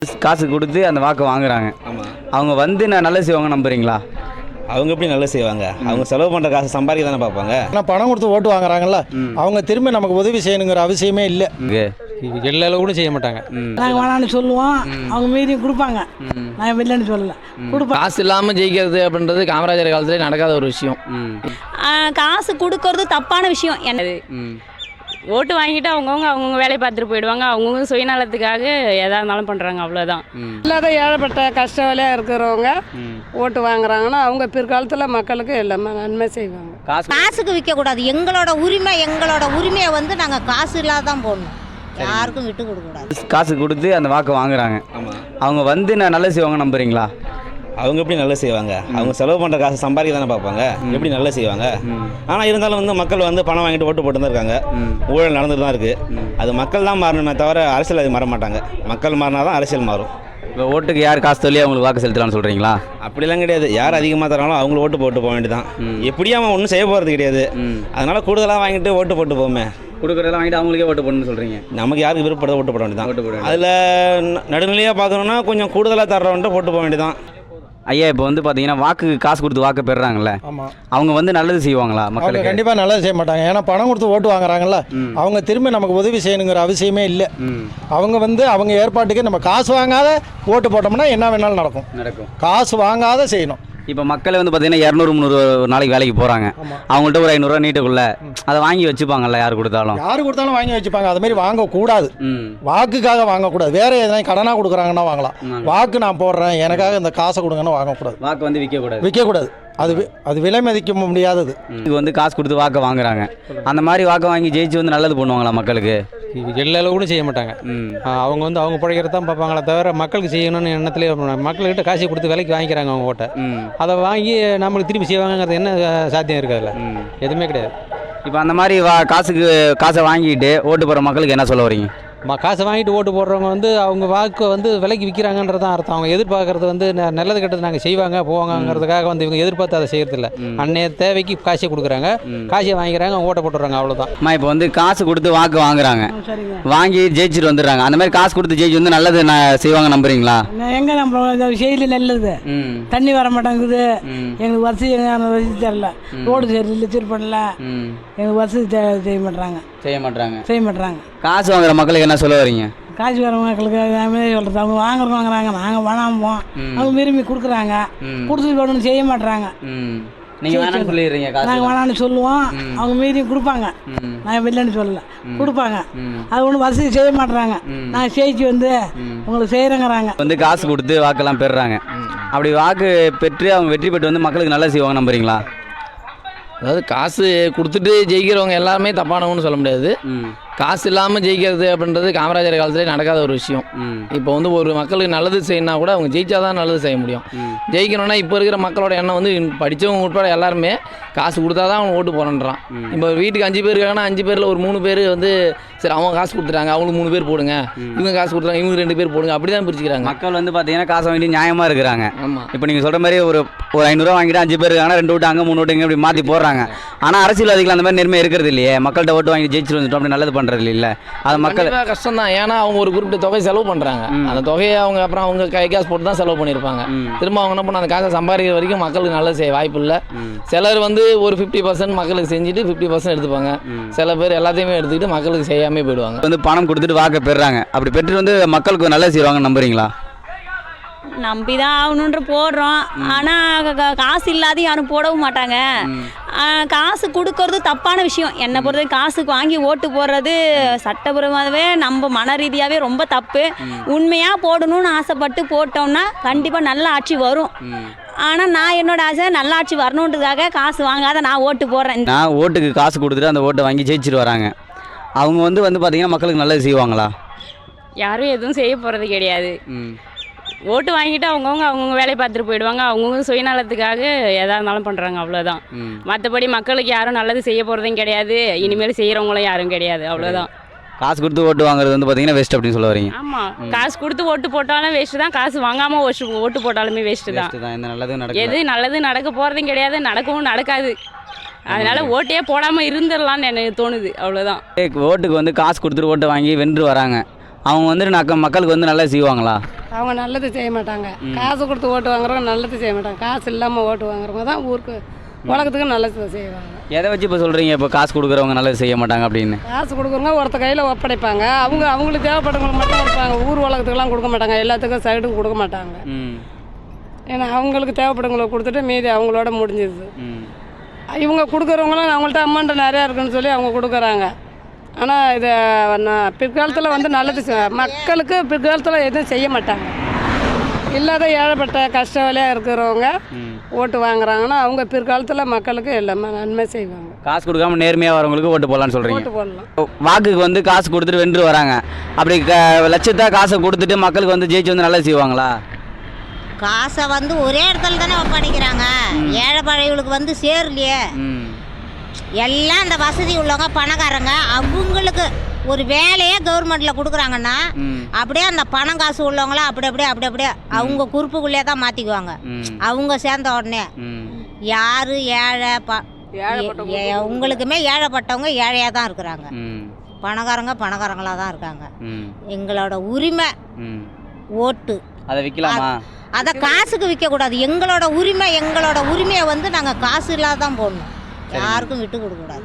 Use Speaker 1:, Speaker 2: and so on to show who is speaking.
Speaker 1: காசு கொடுத்து அந்த வாக்கு வாங்குறாங்க.
Speaker 2: ஆமாம்.
Speaker 1: அவங்க வந்து நான் நல்லது செய்வாங்க நம்புறீங்களா?
Speaker 2: அவங்க எப்படி நல்லது செய்வாங்க? அவங்க செலவு பண்ணுற காசு சம்பாதிக்க தானே பார்ப்பாங்க.
Speaker 3: ஆனால் பணம் கொடுத்து ஓட்டு வாங்குறாங்கல்ல, அவங்க திரும்ப நமக்கு உதவி செய்யணுங்கிற அவசியமே இல்லை.
Speaker 4: எல்லா அளவு கூட செய்ய மாட்டாங்க.
Speaker 5: நாங்கள் வேணான்னு சொல்லுவோம், அவங்க மீறியும் கொடுப்பாங்க. நாங்கள் இல்லைன்னு சொல்லலை, கொடுப்போம்.
Speaker 6: காசு இல்லாமல் ஜெயிக்கிறது அப்படின்றது காமராஜர் காலத்துல நடக்காத ஒரு விஷயம்.
Speaker 7: காசு கொடுக்கறது தப்பான விஷயம். என்னது ஓட்டு வாங்கிட்டு அவங்கவுங்க வேலையை பார்த்துட்டு போயிடுவாங்க. அவங்கவுங்க சுயநலத்துக்காக எதாக இருந்தாலும் பண்ணுறாங்க, அவ்வளோதான்.
Speaker 8: இல்லாத ஏழைப்பட்ட கஷ்ட வேலையாக இருக்கிறவங்க ஓட்டு வாங்குறாங்கன்னா அவங்க பிற்காலத்தில் மக்களுக்கு எல்லாமே நன்மை செய்வாங்க.
Speaker 9: காசுக்கு விற்கக்கூடாது. எங்களோட உரிமையை வந்து நாங்கள் காசு இல்லாத தான் போடணும், யாருக்கும் விட்டு கொடுக்கக்கூடாது.
Speaker 1: காசு கொடுத்து அந்த வாக்கு வாங்குறாங்க.
Speaker 2: ஆமாம்.
Speaker 1: அவங்க வந்து நான் நல்லது செய்வாங்க நம்புறீங்களா?
Speaker 2: அவங்க எப்படி நல்லது செய்வாங்க? அவங்க செலவு பண்ணுற காசு சம்பாதிக்க தானே பார்ப்பாங்க. எப்படி நல்லது செய்வாங்க? ஆனால் இருந்தாலும் வந்து மக்கள் வந்து பணம் வாங்கிட்டு ஓட்டு போட்டு தான் இருக்காங்க. ஊழல் நடந்துட்டு தான் இருக்குது. அது மக்கள் தான் மாறணுமே தவிர அரசியல் அது மாற மாட்டாங்க. மக்கள் மாறினா தான் அரசியல் மாறும்.
Speaker 1: இப்போ ஓட்டுக்கு யார் காசு சொல்லி அவங்களுக்கு வாக்கு செலுத்தலாம்னு சொல்கிறீங்களா?
Speaker 2: அப்படிலாம் கிடையாது. யார் அதிகமாக தராங்களோ அவங்கள ஓட்டு போட்டு போக வேண்டியதான். எப்படியும் அவன் ஒன்றும் செய்ய போகிறது கிடையாது. அதனால் கூடுதலாக வாங்கிட்டு ஓட்டு போட்டு போமே.
Speaker 1: கொடுக்குறதெல்லாம் வாங்கிட்டு அவங்களுக்கே ஓட்டு போடணும்னு சொல்கிறீங்க.
Speaker 2: நமக்கு யாருக்கு விருப்பப்பட ஓட்டு போட வேண்டியதான்.
Speaker 1: ஓட்டு போட
Speaker 2: அதில் நடுநிலையாக பார்க்கணுன்னா கொஞ்சம் கூடுதலாக தர்றவன்ட்டு போட்டு போக வேண்டியதான்.
Speaker 1: ஐயா, இப்போ வந்து பார்த்தீங்கன்னா வாக்கு காசு கொடுத்து வாக்கு பெறுறாங்கல்ல,
Speaker 3: ஆமாம்,
Speaker 1: அவங்க வந்து நல்லது செய்வாங்களா?
Speaker 3: அவங்க
Speaker 1: மக்களுக்கு
Speaker 3: கண்டிப்பாக நல்லது செய்ய மாட்டாங்க. ஏன்னா பணம் கொடுத்து ஓட்டு வாங்குறாங்கல்ல, அவங்க திரும்ப நமக்கு உதவி செய்யணுங்கிற அவசியமே இல்லை. அவங்க வந்து அவங்க ஏற்பாட்டுக்கு நம்ம காசு வாங்காத ஓட்டு போட்டோம்னா என்ன வேணாலும் நடக்கும். காசு வாங்காத செய்யணும்.
Speaker 1: இப்போ மக்கள் வந்து பார்த்தீங்கன்னா 200-300 ஒரு நாளைக்கு வேலைக்கு போகிறாங்க. அவங்கள்ட்ட ஒரு 500 நீட்டுக்குள்ள அதை வாங்கி வச்சுப்பாங்கல்ல, யார் கொடுத்தாலும்
Speaker 3: வாங்கி வச்சுப்பாங்க. அது மாதிரி வாங்கக்கூடாது. வாக்குக்காக வாங்கக்கூடாது. வேற எதனா கடனாக கொடுக்குறாங்கன்னா வாங்கலாம். வாக்கு நான் போடுறேன், எனக்காக இந்த காசை கொடுங்கன்னு வாங்கக்கூடாது.
Speaker 1: வாக்கு வந்து
Speaker 3: விற்கக்கூடாது. அது விலை மதிக்க முடியாதது.
Speaker 1: இது வந்து காசு கொடுத்து வாக்கை வாங்குறாங்க. அந்த மாதிரி வாக்கை வாங்கி ஜெயிச்சு வந்து நல்லது பண்ணுவாங்களா மக்களுக்கு?
Speaker 4: எல்லா அளவு கூட செய்ய மாட்டாங்க. அவங்க வந்து அவங்க பிழைக்கிறது தான் பார்ப்பாங்களே தவிர மக்களுக்கு செய்யணும்னு எண்ணத்துலேயே மக்கள்கிட்ட காசை கொடுத்து விலைக்கு வாங்கிக்கிறாங்க அவங்க ஓட்டை. அதை வாங்கி நம்மளுக்கு திருப்பி செய்வாங்கிறது என்ன சாத்தியம் இருக்காதுல்ல? எதுவுமே கிடையாது.
Speaker 1: இப்போ அந்த மாதிரி காசை வாங்கிட்டு ஓட்டு போகிற மக்களுக்கு என்ன சொல்ல வரீங்க?
Speaker 4: காசை வாங்கிட்டு ஓட்டு போடுறவங்க வந்து அவங்க வாக்கு வந்து விலைக்கு விற்கிறாங்கன்றது தான் அர்த்தம். அவங்க எதிர்பார்க்கறது வந்து நல்லது கெட்டது நாங்கள் செய்வாங்க போவாங்கிறதுக்காக வந்து இவங்க எதிர்பார்த்து அதை செய்யறதில்ல. அன்னைய தேவைக்கு காசை கொடுக்குறாங்க, காசை வாங்கிக்கிறாங்க, அவங்க ஓட்ட போட்டுறாங்க, அவ்வளோதான்.
Speaker 1: இப்போ வந்து காசு கொடுத்து வாக்கு வாங்குறாங்க, வாங்கி ஜெயிச்சுட்டு வந்துடுறாங்க. அந்த மாதிரி காசு கொடுத்து ஜெயிச்சு வந்து நல்லது செய்வாங்க நம்புறீங்களா?
Speaker 5: எங்கே நம்ம செய்யல நல்லது, தண்ணி வர மாட்டேங்குது, எங்களுக்கு வசதி தரல, ரோடு சரியில்லை, திருப்பணல, எங்களுக்கு வசதி செய்ய மாட்டாங்க.
Speaker 1: காசு வாங்குற மக்களுக்கு என்ன சொல்ல வரீங்க?
Speaker 5: காசு வர மக்களுக்கு சொல்கிறது, அவங்க வாங்குறாங்க, நாங்கள் வேணாம போவோம், அவங்க விரும்பி கொடுக்குறாங்க, கொடுத்துட்டு வேணும்னு செய்ய மாட்டுறாங்க.
Speaker 1: நீங்கள் வேணாம்னு சொல்லிடுறீங்க.
Speaker 5: நாங்கள் வேணான்னு சொல்லுவோம், அவங்க மீறியும் கொடுப்பாங்க. நாங்கள் இல்லைன்னு சொல்லலை, கொடுப்பாங்க. அது ஒன்றும் வசதி செய்ய மாட்டுறாங்க. நாங்கள் ஜெயிச்சு வந்து உங்களுக்கு செய்கிறேங்கிறாங்க.
Speaker 1: வந்து காசு கொடுத்து வாக்கெல்லாம் பெறுறாங்க. அப்படி வாக்கு பெற்று அவங்க வெற்றி பெற்று வந்து மக்களுக்கு நல்லா செய்வாங்க நம்புறீங்களா?
Speaker 6: அதாவது காசு கொடுத்துட்டு ஜெயிக்கிறவங்க எல்லாருமே தப்பானவங்கன்னு சொல்ல முடியாது. காசு இல்லாமல் ஜெயிக்கிறது அப்படின்றது காமராஜர் காலத்துல நடக்காத ஒரு விஷயம். இப்போ வந்து ஒரு மக்களுக்கு நல்லது செய்யணும்னா கூட அவங்க ஜெயிச்சாதான் நல்லது செய்ய முடியும். ஜெயிக்கணும்னா இப்போ இருக்கிற மக்களோட எண்ணம் வந்து படித்தவங்க உட்பட எல்லாருமே காசு கொடுத்தா தான் அவங்க ஓட்டு போடணுன்றான். இப்போ வீட்டுக்கு 5 பேர் இருக்காங்கன்னா 5 பேரில் ஒரு 3 பேர் வந்து சரி அவங்க காசு கொடுத்துட்டாங்க, அவங்களுக்கு 3 பேர் போடுங்க, இவங்க காசு கொடுத்தாங்க இவங்க 2 பேர் போடுங்க, அப்படி தான் பிரிச்சுக்கிறாங்க.
Speaker 1: மக்கள் வந்து பார்த்தீங்கன்னா காசை வாங்கி நியாயமாக இருக்கிறாங்க.
Speaker 6: ஆமாம்.
Speaker 1: இப்போ நீங்கள் சொல்கிற மாதிரி ஒரு 500 ரூபா வாங்கிட்டு 5 பேர் இருக்காங்கன்னா 2 ஓட்டு அங்கே 3 ஓட்டு இங்கே இப்படி மாற்றி போடுறாங்க. ஆனால் அரசியல்வாதிகள் அந்த மாதிரி நேர்மை இருக்கிறது இல்லையே. மக்கள்கிட்ட ஓட்டு வாங்கி ஜெயிச்சுட்டு வந்துட்டோம், அப்படி நல்லது பண்ணுறது இல்லை. அது மக்கள்
Speaker 6: கஷ்டம் தான். ஏன்னா அவங்க ஒரு குறிப்பிட்ட தொகை செலவு பண்ணுறாங்க. அந்த தொகையை அவங்க அப்புறம் அவங்க காசு போட்டு தான் செலவு பண்ணியிருப்பாங்க. திரும்ப அவங்க என்ன பண்ண அந்த காசை சம்பாதிக்கிற வரைக்கும் மக்களுக்கு நல்லது செய்ய வாய்ப்பு இல்லை. சிலர் வந்து ஒரு 50% மக்களுக்கு செஞ்சுட்டு 50% எடுத்துப்பாங்க. சில பேர் எல்லாத்தையுமே எடுத்துக்கிட்டு மக்களுக்கு செய்யாமல் போயிடுவாங்க.
Speaker 1: வந்து பணம் கொடுத்துட்டு வாக்க பெறுறாங்க. அப்படி பெற்றுட்டு வந்து மக்களுக்கு நல்லது செய்வாங்க நம்புறீங்களா?
Speaker 7: நம்பி தான் ஆகணுன்ற போடுறோம். ஆனால் காசு இல்லாத யாரும் போடவும் மாட்டாங்க. காசு கொடுக்கறது தப்பான விஷயம். என்னை பொறுத்த காசுக்கு வாங்கி ஓட்டு போடுறது சட்டபூர்வமாகவே நம்ம மன ரீதியாகவே ரொம்ப தப்பு. உண்மையாக போடணும்னு ஆசைப்பட்டு போட்டோம்னா கண்டிப்பாக நல்ல ஆட்சி வரும். ஆனால் நான் என்னோட ஆசை நல்ல ஆட்சி வரணுன்றதுக்காக காசு வாங்காத நான் ஓட்டு போடுறேன்.
Speaker 1: நான் ஓட்டுக்கு காசு கொடுத்துட்டு அந்த ஓட்டை வாங்கி ஜெயிச்சுட்டு வராங்க. அவங்க வந்து பார்த்தீங்கன்னா மக்களுக்கு நல்லது செய்வாங்களா?
Speaker 7: யாரும் எதுவும் செய்ய போகிறது கிடையாது. ஓட்டு வாங்கிட்டு அவங்கவுங்க வேலையை பார்த்துட்டு போயிடுவாங்க. அவங்கவுங்க சுயநலத்துக்காக எதாக இருந்தாலும் பண்ணுறாங்க, அவ்வளோதான். மற்றபடி மக்களுக்கு யாரும் நல்லது செய்ய போகிறதும் கிடையாது, இனிமேல் செய்கிறவங்களும் யாரும் கிடையாது, அவ்வளோதான்.
Speaker 1: காசு கொடுத்து ஓட்டு வாங்குறது வந்து பார்த்தீங்கன்னா வேஸ்ட் அப்படின்னு சொல்ல வரீங்க?
Speaker 7: ஆமாம், காசு கொடுத்து ஓட்டு போட்டாலும் வேஸ்ட்டு தான், காசு வாங்காமல் ஓட்டு போட்டாலுமே வேஸ்ட்டு தான். எது நல்லது நடக்க போகிறதும் கிடையாது, நடக்கவும் நடக்காது. அதனால் ஓட்டையே போடாமல் இருந்துடலான்னு எனக்கு தோணுது, அவ்வளோதான்.
Speaker 1: ஓட்டுக்கு வந்து காசு கொடுத்துட்டு ஓட்டை வாங்கி வென்று வராங்க. அவங்க வந்து மக்களுக்கு வந்து நல்லா செய்வாங்களா?
Speaker 8: அவங்க நல்லது செய்ய மாட்டாங்க. காசு கொடுத்து ஓட்டு வாங்குறவங்க நல்லது செய்ய மாட்டாங்க. காசு இல்லாமல் ஓட்டு வாங்குறவங்க தான் ஊருக்கு உலகத்துக்கு நல்லது செய்வாங்க.
Speaker 1: எதை வச்சு இப்போ சொல்கிறீங்க இப்போ காசு கொடுக்குறவங்க நல்லது செய்ய மாட்டாங்க அப்படின்னு?
Speaker 8: காசு கொடுக்குறவங்க ஒருத்த கையில் ஒப்படைப்பாங்க. அவங்களுக்கு தேவைப்பட்டவங்களுக்கு மட்டும் கொடுப்பாங்க. ஊர் உலகத்துக்குலாம் கொடுக்க மாட்டாங்க. எல்லாத்துக்கும் சைடும் கொடுக்க மாட்டாங்க. ஏன்னா அவங்களுக்கு தேவைப்பட்டவங்களுக்கு கொடுத்துட்டு மீதி அவங்களோட முடிஞ்சிருது. இவங்க கொடுக்குறவங்களும் அவங்கள்ட்ட அமௌண்ட் நிறையா இருக்குன்னு சொல்லி அவங்க கொடுக்குறாங்க. ஆனால் இதை பிற்காலத்தில் வந்து நல்லது மக்களுக்கு பிற்காலத்தில் எதுவும் செய்ய மாட்டாங்க. இல்லாத ஏழைப்பட்ட கஷ்ட வேலையாக இருக்கிறவங்க ஓட்டு வாங்குறாங்கன்னா அவங்க பிற்காலத்தில் மக்களுக்கு எல்லாமே நன்மை செய்வாங்க.
Speaker 1: காசு கொடுக்காம நேர்மையாக வரவங்களுக்கு ஓட்டு போடலான்னு சொல்கிறீங்க.
Speaker 8: ஓட்டு போடலாம்.
Speaker 1: வாக்குக்கு வந்து காசு கொடுத்துட்டு வென்று வராங்க. அப்படி லட்சத்தா காசை கொடுத்துட்டு மக்களுக்கு வந்து ஜெயிச்சு வந்து நல்லது செய்வாங்களா?
Speaker 9: காசை வந்து ஒரே இடத்துல தானே ஒப்படைக்கிறாங்க. ஏழை பழையவங்களுக்கு வந்து சேரலையே. எல்லாம் இந்த வசதி உள்ளவங்க பணக்காரங்க அவங்களுக்கு ஒரு வேலையே கவர்மெண்ட்டில் கொடுக்குறாங்கன்னா அப்படியே அந்த பணம் காசு உள்ளவங்களாம் அப்படியே அவங்க குறிப்புக்குள்ளே தான் மாற்றிக்குவாங்க. அவங்க சேர்ந்த உடனே யார் ஏழை உங்களுக்குமே ஏழைப்பட்டவங்க ஏழையாக தான் இருக்கிறாங்க. பணக்காரங்களாக தான் இருக்காங்க. எங்களோட உரிமை ஓட்டு.
Speaker 1: அதை விற்கலாமா?
Speaker 9: அதை காசுக்கு விற்கக்கூடாது. எங்களோட உரிமையை வந்து நாங்கள் காசு இல்லாத தான் போடணும். யாருக்கும் விட்டு கொடுக்கக்கூடாது.